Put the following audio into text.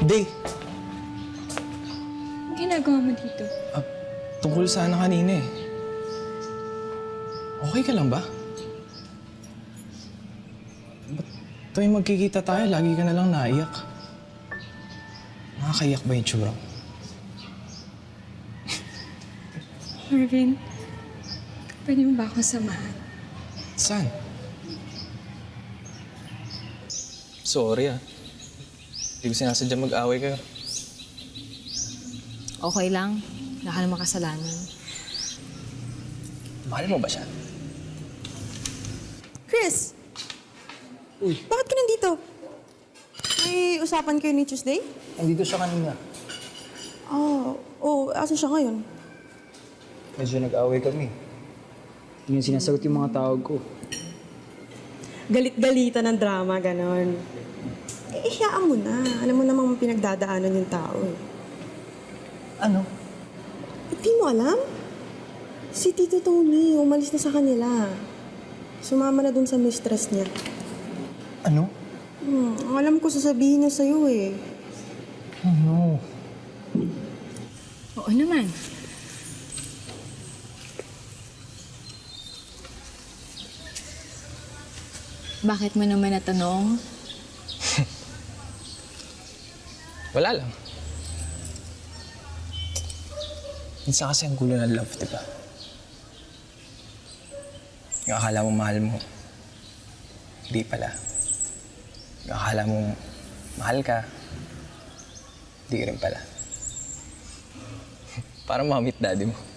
Day, Ang ginagawa mo dito? tungkol sana kanina eh. Okay ka lang ba? Ba't tuwing magkikita tayo, lagi ka na lang naiyak? Nakakaiyak ba yung tsura mo? Marvin, pwede mo ba akong samahan? Saan? Sorry Hindi ko sinasadya mag-away kayo. Okay lang. Wala ka namang kasalanan. Mahal mo ba siya? Chris! Uy. Bakit ka nandito? May usapan kayo ni Tuesday? Nandito siya kanina. Asan siya ngayon? Medyo nag-away kami. Hindi niya sinasagot yung mga tawag ko. Galit-galitan ng drama, ganon. Ihiyaan mo na. Alam mo namang pinagdadaanan yung tao eh. Ano? Di mo alam? Si Tito Tony, umalis na sa kanila. Sumama na dun sa mistress niya. Ano? Alam ko sasabihin niya sa'yo eh. Ano? Oo naman. Bakit mo naman natanong? Wala lang. Minsan kasi ang gulo ng love, di ba? Yung akala mo mahal mo, hindi pala. Yung akala mo mahal ka, hindi rin pala. Parang mamit daddy mo.